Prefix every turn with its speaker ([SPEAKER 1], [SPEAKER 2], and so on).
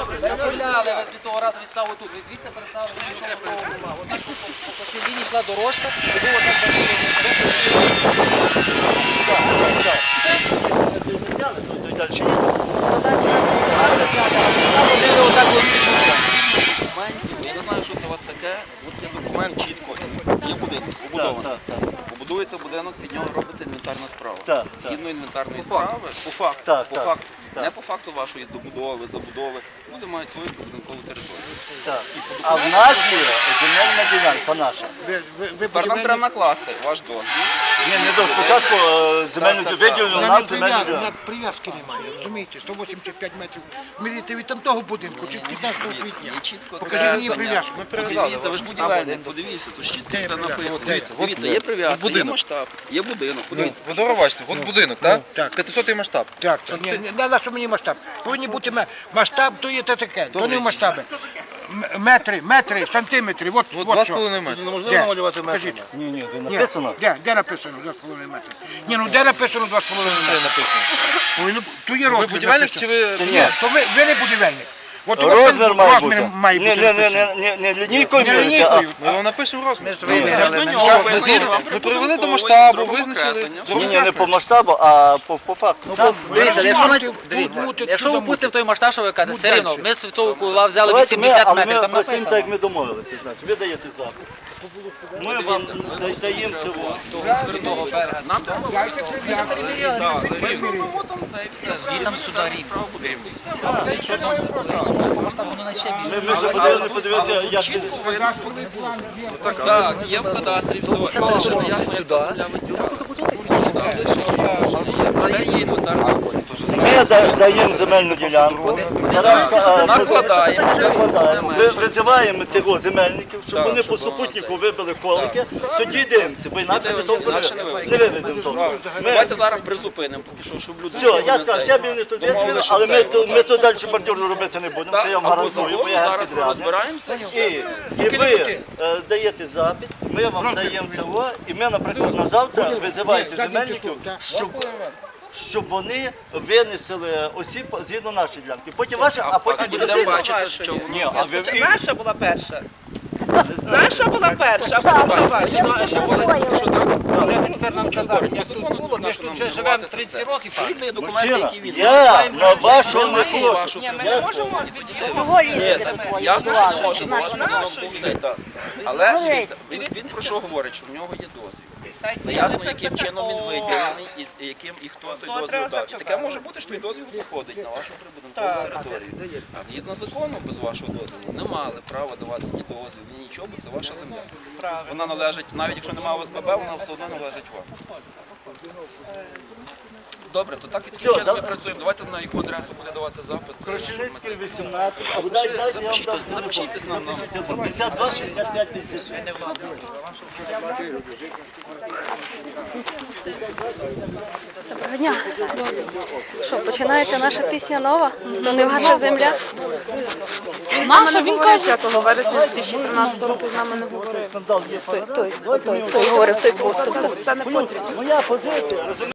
[SPEAKER 1] Розставляли, ви від того разу відстав отут. Ви звідси переставили, що готова була. Отак по цій лінії йшла дорожка, і було там
[SPEAKER 2] Я не знаю, що це у вас таке. От є документ чітко. Є будинок побудований. Побудується будинок, під нього робиться інвентарна справа. Згідно інвентарної справи, по факту, не по факту вашої добудови, забудови, люди мають свою будинкову територію.
[SPEAKER 3] А в нас є земельна ділянка наша.
[SPEAKER 2] Тепер нам треба накласти ваш дозвіл.
[SPEAKER 3] Ні, не до спочатку земельну виділення, нам земельну
[SPEAKER 4] На
[SPEAKER 3] ділянку.
[SPEAKER 4] прив'язки немає, розумієте? 185 метрів. Міряйте від тамтого будинку чи 15 квітня.
[SPEAKER 2] Є чітко
[SPEAKER 4] Покажіть мені прив'язку.
[SPEAKER 2] Подивіться, ви ж будівельник, подивіться, тут чітко все написано. Дивіться, є прив'язка, є масштаб, є будинок, подивіться.
[SPEAKER 1] Ви добре бачите, от будинок, так?
[SPEAKER 4] Так.
[SPEAKER 1] 500-й масштаб.
[SPEAKER 4] Так, не на що мені масштаб. Повинні бути масштаб, то є таке, то не в масштаби. Метри, сантиметри, от що.
[SPEAKER 1] 2,5 метри.
[SPEAKER 3] Неможливо намалювати метрами. Ні, де написано.
[SPEAKER 4] Де написано 2,5 метри? Ні, ну де написано 2,5 метри? То є
[SPEAKER 1] Ви
[SPEAKER 4] розмір.
[SPEAKER 1] будівельник чи ви...
[SPEAKER 4] Ні, то ви не будівельник. От
[SPEAKER 3] Розмір має бути.
[SPEAKER 4] має бути написано.
[SPEAKER 3] Не лінійкою,
[SPEAKER 4] Не лінійкою.
[SPEAKER 1] Ми вам напишемо розмір.
[SPEAKER 2] Ми
[SPEAKER 1] привели до масштабу, визначили.
[SPEAKER 3] Ні, не по масштабу, а по факту.
[SPEAKER 1] Дивіться,
[SPEAKER 4] Мути,
[SPEAKER 1] якщо ви
[SPEAKER 4] чудо
[SPEAKER 1] пустимо той масштаб, що ви кажете, все рівно, ми з того кула взяли
[SPEAKER 3] Давайте ми,
[SPEAKER 1] 80
[SPEAKER 3] але
[SPEAKER 1] метрів,
[SPEAKER 3] ми
[SPEAKER 1] там
[SPEAKER 3] працюємо так,
[SPEAKER 1] написано.
[SPEAKER 3] як ми домовилися. Значить, ви даєте запит. Ми вам даємо цього.
[SPEAKER 1] Того берега.
[SPEAKER 2] Нам треба
[SPEAKER 1] Звітам сюди рівно. Якщо нам це може по масштабу, воно наче більше.
[SPEAKER 3] Ми ще подивилися, подивитися, як це.
[SPEAKER 2] Так, є в кадастрі все. Але ще не ясно, як земля виділяється. Є інвентарна.
[SPEAKER 3] Ми даємо земельну ділянку.
[SPEAKER 2] Накладаємо.
[SPEAKER 3] Визиваємо тих земельників, щоб вони по супутнику вибили колики, тоді дивимося, бо інакше ми толку не виведемо толку.
[SPEAKER 2] Давайте зараз призупинимо, поки що, щоб люди...
[SPEAKER 3] Все, я скажу, ще б вони тут визвали, але ми тут далі бордюру робити не будемо, це я вам гарантую, бо я
[SPEAKER 2] зараз ми
[SPEAKER 3] підрядник.
[SPEAKER 2] розбираємося.
[SPEAKER 3] І ви даєте запит, ми вам даємо цього, і ми, наприклад, на завтра визиваєте земельників, щоб вони винесли осіб згідно нашої ділянки. Потім ваша, а потім буде
[SPEAKER 2] Будемо бачити, що воно...
[SPEAKER 3] Ні, а ви
[SPEAKER 5] Наша була перша. Наша була перша, а потім була ваша.
[SPEAKER 1] Тепер нам казали, як тут було, ми ж тут вже живемо 30 років.
[SPEAKER 2] Є документи, які від...
[SPEAKER 3] я на вашу не хочу.
[SPEAKER 5] Ні, ми не можемо
[SPEAKER 2] Ні, ясно, що можемо, ваш будинок був цей, так. Але дивіться, він про що говорить, що в нього є дозвіл. Не ясно, яким чином він виділений, і хто той дозвіл дав. Таке може бути, що той дозвіл заходить на вашу прибудинкову територію. А згідно закону, без вашого дозволу, не мали права давати ні дозвіл, ні нічого, бо це ваша земля. Вона належить, навіть якщо немає ОСББ, вона все одно належить вам. Добре, то так і таким чином ми працюємо. Давайте на яку адресу буде давати запит.
[SPEAKER 3] Крушеницький 18, або дайте я вам дам
[SPEAKER 2] Напишіть нам.
[SPEAKER 3] 52, 65, 57.
[SPEAKER 6] Доброго дня. Що, починається наша пісня нова? То не ваша земля?
[SPEAKER 7] Наша, він каже, 5 вересня 2013 року з нами не говорив.
[SPEAKER 3] Скандал є.
[SPEAKER 6] Той говорив, той був.
[SPEAKER 7] Це не потрібно.
[SPEAKER 3] Моя позиція, розумієте?